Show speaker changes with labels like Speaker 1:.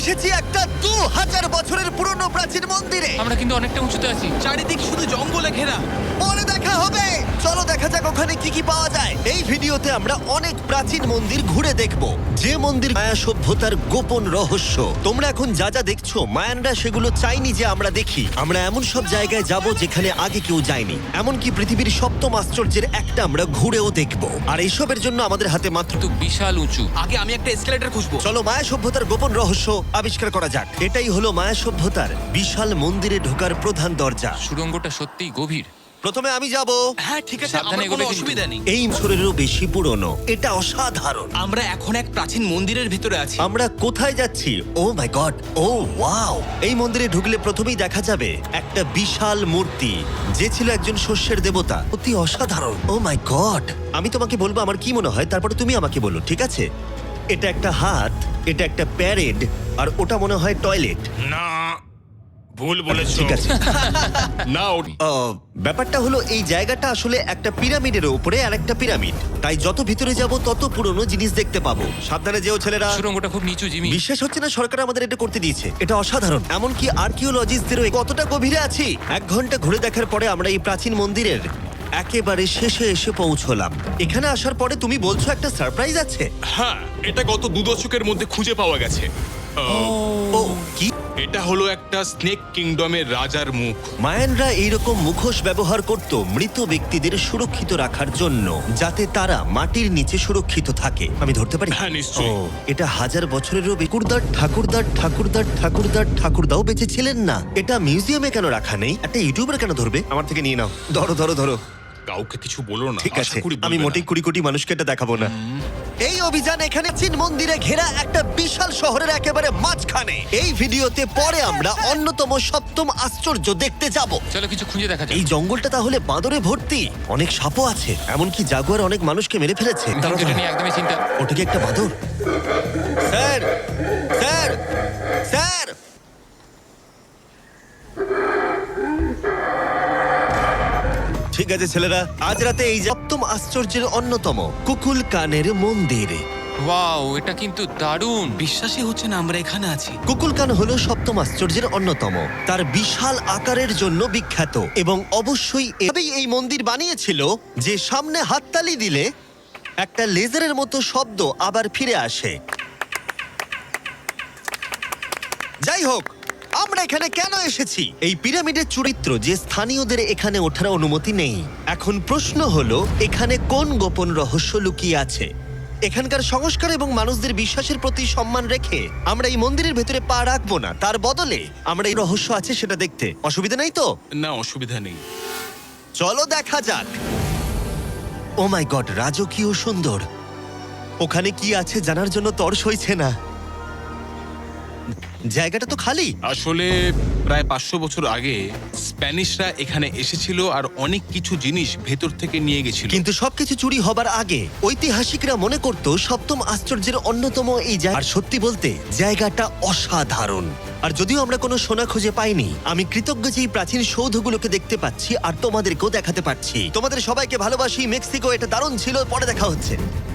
Speaker 1: এসেছি একটা 2000 বছরের পুরনো প্রাচীন মন্দিরে।
Speaker 2: আমরা কিন্তু অনেকটা উঁচুতে আছি।
Speaker 3: চারিদিক শুধু জঙ্গলে ঘেরা।
Speaker 1: পরে দেখা হবে। চলো দেখা যাক ওখানে কি কি পাওয়া যায়। এই ভিডিওতে আমরা অনেক প্রাচীন মন্দির ঘুরে দেখব, যে মন্দির মায়া সভ্যতার গোপন রহস্য। তোমরা এখন যা যা দেখছো, মায়ানরা সেগুলো চাইনি যে আমরা দেখি। আমরা এমন সব জায়গায় যাব যেখানে আগে কেউ যায়নি, এমনকি পৃথিবীর সপ্তম আশ্চর্যের একটা আমরা ঘুরেও দেখব। আর এইসবের জন্য আমাদের হাতে মাত্র
Speaker 2: তো বিশাল উঁচু।
Speaker 3: আগে আমি একটা এসকেলেটর খুঁজবো।
Speaker 1: চলো মায়া সভ্যতার গোপন রহস্য আবিষ্কার করা যাক। এটাই হলো মায়া সভ্যতার বিশাল মন্দিরে ঢোকার প্রধান দরজা।
Speaker 2: সুড়ঙ্গটা সত্যিই গভীর।
Speaker 1: প্রথমে আমি যাব।
Speaker 3: হ্যাঁ ঠিক আছে,
Speaker 2: সাবধানে
Speaker 3: আমার কোনো
Speaker 2: এগোবে কিন্তু।
Speaker 3: অসুবিধা নেই।
Speaker 1: এই বছরেরও বেশি পুরনো, এটা অসাধারণ।
Speaker 3: আমরা এখন এক প্রাচীন মন্দিরের ভিতরে আছি।
Speaker 1: আমরা কোথায় যাচ্ছি? Oh my god, oh wow! এই মন্দিরে ঢুকলে প্রথমেই দেখা যাবে একটা বিশাল মূর্তি, যে ছিল একজন শস্যের দেবতা। অতি অসাধারণ। Oh my god! আমি তোমাকে বলবো আমার কি মনে হয়, তারপরে তুমি আমাকে বলো, ঠিক আছে? এটা একটা হাত, এটা একটা প্যারেড, আর ওটা মনে হয় টয়লেট।
Speaker 4: না, ভুল বলেছো।
Speaker 1: ঠিক আছে।
Speaker 4: না,
Speaker 1: ব্যাপারটা হলো এই জায়গাটা আসলে একটা পিরামিডের উপরে আর একটা পিরামিড, তাই যত ভিতরে যাব তত পুরনো জিনিস দেখতে পাবো। সাবধানে যেও ছেলেরা।
Speaker 2: সুড়ঙ্গটা খুব নিচু, জিমি।
Speaker 1: বিশ্বাস হচ্ছে না সরকার আমাদের এটা করতে দিয়েছে। এটা অসাধারণ। এমনকি আর্কিওলজিস্টদেরও কতটা গভীরে আছি। 1 ঘন্টা ঘুরে দেখার পরে আমরা এই প্রাচীন মন্দিরের একেবারে শেষে এসে পৌঁছলাম। এখানে আসার পরে তুমি বলছো একটা সারপ্রাইজ আছে।
Speaker 4: হ্যাঁ, এটা গত 2 দশকের মধ্যে খুঁজে পাওয়া গেছে।
Speaker 1: ও কি?
Speaker 4: এটা হলো একটা স্নেক কিংডমের রাজার মুখ।
Speaker 1: মায়ানরা এইরকম মুখোশ ব্যবহার করত মৃত ব্যক্তিদের সুরক্ষিত রাখার জন্য, যাতে তারা মাটির নিচে সুরক্ষিত থাকে। আমি ধরতে পারি?
Speaker 4: হ্যাঁ, নিশ্চয়ই।
Speaker 1: এটা 1000 বছরেরও ঠাকুরদাও বেঁচে ছিলেন না। এটা মিউজিয়ামে কেন রাখা নেই? একটা ইউটিউবার কেন ধরবে? আমার থেকে নিয়ে নাও। ধরো ধরো ধরো।
Speaker 4: কাউকে কিছু বলো না।
Speaker 1: ঠিক
Speaker 4: আশা
Speaker 1: আছে,
Speaker 4: করি বলবে
Speaker 1: আমি
Speaker 4: না।
Speaker 1: মোটেই 20 কোটি মানুষকে এটা দেখাবো না। এই অভিযান এখানে চীন মন্দিরে ঘেরা একটা বিশাল শহরের একেবারে মাঝখানে। এই ভিডিওতে পরে আমরা অন্যতম সপ্তম আশ্চর্য দেখতে যাব।
Speaker 2: চলো কিছু খুঁজে দেখা যাক।
Speaker 1: এই জঙ্গলটা তাহলে বাঁদরে ভর্তি, অনেক সাপও আছে, এমনকি জাগুয়ার অনেক মানুষকে মেরে ফেলেছে। দাঁড়াও,
Speaker 2: কিন্তু এটা
Speaker 1: দাঁড়াও।
Speaker 2: নিয়ে একদমই চিন্তা।
Speaker 1: ওটা কি একটা বাঁদর? Sir, sir, sir! ঠিক আছে ছেলেরা, আজ রাতে এই সপ্তম আশ্চর্যের অন্যতম কুকুলকানের মন্দির।
Speaker 2: ওয়াও, এটা কিন্তু দারুণ।
Speaker 3: বিশ্বাসই হচ্ছে না আমরা এখানে আছি।
Speaker 1: কুকুলকান হলো সপ্তম আশ্চর্যের অন্যতম। তার বিশাল আকারের জন্য বিখ্যাত, এবং অবশ্যই এভাবেই এই মন্দির বানিয়েছিল যে সামনে হাততালি দিলে একটা লেজারের মতো শব্দ আবার ফিরে আসে। যাই হোক, আমরা এখানে কেন এসেছি? এই পিরামিডের চরিত্র যে স্থানীয়দের এখানে ওঠার অনুমতি নেই। এখন প্রশ্ন হলো, এখানে কোন গোপন রহস্য লুকিয়ে আছে? এখানকার সংস্কার এবং মানুষদের বিশ্বাসের প্রতি সম্মান রেখে আমরা এই মন্দিরের ভেতরে পা রাখবো না। তার বদলে আমরা এই রহস্য আছে সেটা দেখতে। অসুবিধা নেই তো?
Speaker 4: না, অসুবিধা নেই।
Speaker 1: চলো দেখা যাক। ও মাই গড, রাজকীয় সুন্দর। ওখানে কি আছে জানার জন্য তর সইছে না। জায়গাটা তো খালি।
Speaker 4: আসলে প্রায় 500 বছর আগে স্প্যানিশরা এখানে এসেছিল আর অনেক কিছু জিনিস ভেতর থেকে নিয়ে গেছিল।
Speaker 1: কিন্তু সবকিছু চুরি হবার আগে ঐতিহাসিকরা মনে করত সপ্তম আশ্চর্যের অন্যতম এই জায়গা। আর সত্যি বলতে জায়গাটা অসাধারণ। আর যদিও আমরা কোনো সোনা খুঁজে পাইনি, আমি কৃতজ্ঞ যে এই প্রাচীন সৌধগুলোকে দেখতে পাচ্ছি আর তোমাদেরকেও দেখাতে পারছি। তোমাদের সবাইকে ভালোবাসি। মেক্সিকো, এটা দারুণ ছিল। পরে দেখা হচ্ছে।